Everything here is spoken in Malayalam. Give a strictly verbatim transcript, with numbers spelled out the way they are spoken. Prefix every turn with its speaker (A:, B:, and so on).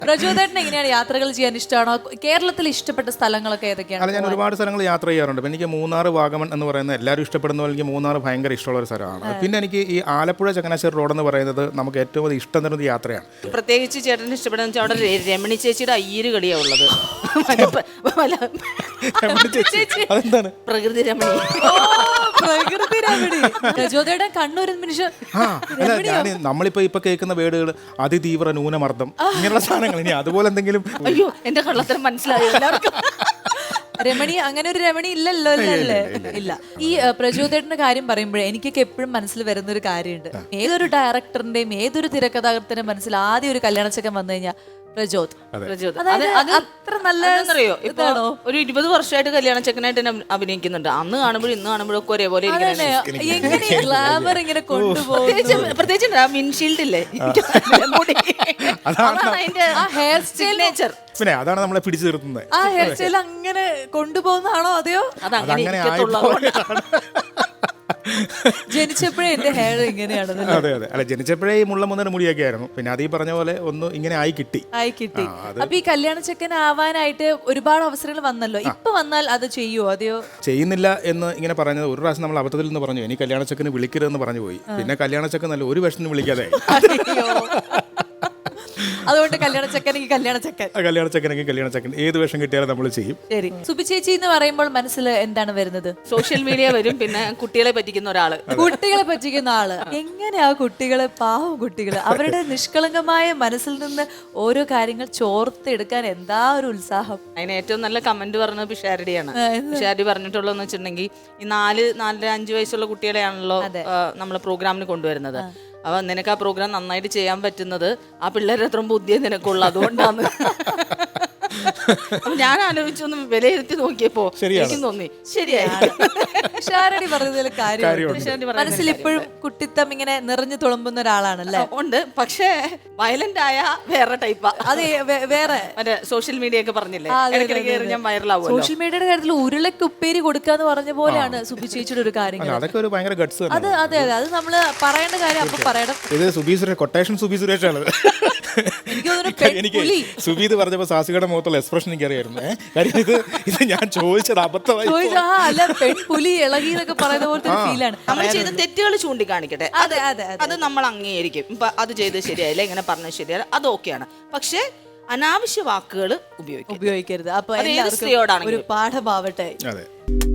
A: പ്രചോദനം എങ്ങനെയാണ് യാത്രകൾ ചെയ്യാൻ ഇഷ്ടമാണോ? കേരളത്തിൽ ഇഷ്ടപ്പെട്ട സ്ഥലങ്ങളൊക്കെ ഏതൊക്കെയാണ്?
B: അല്ല, ഞാൻ ഒരുപാട് സ്ഥലങ്ങൾ യാത്ര ചെയ്യാറുണ്ട്. എനിക്ക് മൂന്നാർ, വാഗമൺ എന്ന് പറയുന്നത് എല്ലാവരും ഇഷ്ടപ്പെടുന്ന പോലെ എനിക്ക് മൂന്നാർ ഭയങ്കര ഇഷ്ടമുള്ള ഒരു സ്ഥലമാണ്. പിന്നെ എനിക്ക് ഈ ആലപ്പുഴ ചങ്ങനാശ്ശേരി റോഡ് എന്ന് പറയുന്നത് നമുക്ക് ഏറ്റവും അധികം ഇഷ്ടം തരുന്ന യാത്രയാണ്.
C: പ്രത്യേകിച്ച് ചേട്ടന് ഇഷ്ടപ്പെടുന്ന വെച്ചാൽ അവിടെ രമണി ചേച്ചിയുടെ അയ്യര് കളിയാ ഉള്ളത്.
B: അതെന്താണ്?
C: പ്രകൃതി രമണി.
A: പ്രകൃതി രമണി. പ്രചോദയുടെ കണ്ണൂർ നിമിഷം.
B: ആ അല്ല, ഞാൻ നമ്മളിപ്പോ ഇപ്പൊ കേൾക്കുന്ന വേർഡുകൾ അതിതീവ്ര ന്യൂനമർദ്ദം ഇങ്ങനെയുള്ള സാധനങ്ങൾ, ഇനി അതുപോലെ എന്തെങ്കിലും.
C: അയ്യോ, എന്റെ കള്ളത്തരം മനസ്സിലായോ എല്ലാവർക്കും?
A: രമണി അങ്ങനെ ഒരു രമണി ഇല്ലല്ലോ അല്ലേ? ഇല്ല. ഈ പ്രചോദയുടെ കാര്യം പറയുമ്പോഴേ എനിക്കൊക്കെ എപ്പോഴും മനസ്സിൽ വരുന്ന ഒരു കാര്യമുണ്ട്. ഏതൊരു ഡയറക്ടറിന്റെയും ഏതൊരു തിരക്കഥാകൃത്തിന്റെ മനസ്സിൽ ആദ്യം ഒരു കല്യാണച്ചക്കൻ വന്നു കഴിഞ്ഞാൽ പ്രചോദ്.
C: പ്രചോദ്
A: അത്ര നല്ല
C: അറിയോ? ഇപ്പൊ ഒരു ഇരുപത് വർഷമായിട്ട് കല്യാണ ചെക്കനായിട്ട് തന്നെ അഭിനയിക്കുന്നുണ്ട്. അന്ന് കാണുമ്പോഴും ഇന്ന് കാണുമ്പോഴും ഒക്കെ ഒരേപോലെ
A: എങ്ങനെ ഗ്ലാമർ ഇങ്ങനെ കൊണ്ടുപോകും.
C: പ്രത്യേകിച്ച് വിൻഷീൽഡ് ഇല്ലേ,
A: ഹെയർ സ്റ്റൈൽ
C: നേച്ചർ.
B: പിന്നെ അതാണ് നമ്മളെ പിടിച്ചു നിർത്തുന്നത്.
A: ആ ഹെയർ സ്റ്റൈൽ അങ്ങനെ കൊണ്ടുപോകുന്നതാണോ അതെയോ
C: അതങ്ങനെ
A: ജനിച്ചപ്പോഴേ എന്റെ ഹെയർ ഇങ്ങനെയാണ്?
B: അതെ അതെ. അല്ല, ജനിച്ചപ്പോഴേ ഈ മുള്ള മുന്നര മുടിയൊക്കെ ആയിരുന്നു. പിന്നെ അത് ഈ പറഞ്ഞ പോലെ ഒന്ന് ഇങ്ങനെ ആയി കിട്ടി
A: ആയി കിട്ടി അപ്പൊ ഈ കല്യാണ ചെക്കൻ ആവാനായിട്ട് ഒരുപാട് അവസരങ്ങൾ വന്നല്ലോ. ഇപ്പൊ വന്നാൽ അത് ചെയ്യുവോ അതെയോ?
B: ചെയ്യുന്നില്ല എന്ന് ഇങ്ങനെ പറഞ്ഞത് ഒരു പ്രാവശ്യം നമ്മൾ അബദ്ധത്തിൽ നിന്ന് പറഞ്ഞു, ഇനി കല്യാണ ചെക്കന് വിളിക്കരുതെന്ന് പറഞ്ഞു പോയി. പിന്നെ കല്യാണ ചെക്കൻ നല്ല ഒരു വർഷത്തിന് വിളിക്കാതെ
A: അതുകൊണ്ട് കല്യാണ ചെക്കനെങ്കിൽ കല്യാണ ചെക്കൻ,
B: കല്യാണ ചെക്കനെങ്കിൽ കല്യാണ ചെക്കൻ, ഏത് വേഷം കിട്ടിയാലും നമ്മൾ ചെയ്യും.
A: ശരി. സുബി ചേച്ചി എന്ന് പറയുമ്പോൾ മനസ്സിൽ എന്താണ് വരുന്നത്?
C: സോഷ്യൽ മീഡിയ വരും, പിന്നെ കുട്ടികളെ പറ്റിക്കുന്ന ഒരാള്.
A: കുട്ടികളെ പറ്റിക്കുന്ന ആള്. എങ്ങനെയാ കുട്ടികളെ, പാവം കുട്ടികള്, അവരുടെ നിഷ്കളങ്കമായ മനസ്സിൽ നിന്ന് ഓരോ കാര്യങ്ങൾ ചോർത്തെടുക്കാൻ എന്താ ഒരു ഉത്സാഹം.
C: അതിന് ഏറ്റവും നല്ല കമന്റ് പറഞ്ഞത് പിഷാരടിയാണ്. പിഷാരടി പറഞ്ഞിട്ടുള്ളതെന്ന് വെച്ചിട്ടുണ്ടെങ്കിൽ ഈ നാല് നാലര അഞ്ചു വയസ്സുള്ള കുട്ടികളെയാണല്ലോ നമ്മൾ പ്രോഗ്രാമിന് കൊണ്ടുവരുന്നത്. അപ്പൊ നിനക്ക് ആ പ്രോഗ്രാം നന്നായിട്ട് ചെയ്യാൻ പറ്റുന്നത് ആ പിള്ളേരുടെ അത്ര ബുദ്ധിയെ നിനക്കുള്ളു, അതുകൊണ്ടാണ്. ഞാൻ ആലോചിച്ചൊന്ന് വിലയിരുത്തി നോക്കിയപ്പോ എനിക്ക് തോന്നി ശരിയായി.
A: ഷാരടി പറഞ്ഞതിൽ കാര്യം. മനസ്സിൽ ഇപ്പോഴും കുട്ടിത്തം ഇങ്ങനെ നിറഞ്ഞു തുളുമ്പുന്ന ഒരാളാണല്ലേ?
C: ഉണ്ട്, പക്ഷേ വയലന്റ് ആയ വേറെ ടൈപ്പാ.
A: അത് വേറെ
C: മറ്റേ സോഷ്യൽ മീഡിയ ഒക്കെ പറഞ്ഞില്ലേ, ഞാൻ വൈറലാവും.
A: സോഷ്യൽ മീഡിയയുടെ കാര്യത്തിൽ ഉരുളക്ക് ഉപ്പേരി കൊടുക്കാന്ന് പറഞ്ഞ പോലെയാണ് സുബി ചേച്ചിയുടെ ഒരു കാര്യം.
B: അതൊക്കെ ഒരു ഭയങ്കര ഗട്സ്.
A: അത് അതെ അതെ, അത് നമ്മള് പറയേണ്ട കാര്യം അപ്പൊ പറയണം.
B: ഇത് സുബി സുരേഷ്, കൊട്ടേഷൻ സുബി സുരേഷാണ്. എനിക്ക് സുബി ഇത് പറഞ്ഞപ്പോ സാസികയുടെ മുഖത്തുള്ള എക്സ്പ്രഷൻ എനിക്ക് അറിയായിരുന്നു. കാര്യം ഇത് ഇത് ഞാൻ ചോദിച്ചത് അബദ്ധമായി.
A: അല്ല, പെൺപുലി ഇളകി എന്നൊക്കെ പറയുന്ന പോലത്തെ ഫീലാണ്.
C: നമ്മൾ ചെയ്ത തെറ്റുകൾ ചൂണ്ടിക്കാണിക്കട്ടെ, അത് നമ്മൾ അംഗീകരിക്കും. ഇപ്പൊ അത് ചെയ്ത് ശരിയായില്ല, ഇങ്ങനെ പറഞ്ഞത് ശരിയല്ല, അത് ഓക്കെയാണ്. പക്ഷെ അനാവശ്യ വാക്കുകൾ ഉപയോഗിക്കും
A: ഉപയോഗിക്കരുത്. അപ്പൊ
C: സ്ത്രീയോടാണ്
A: ഒരു പാഠമാവട്ടെ.
B: അതെ.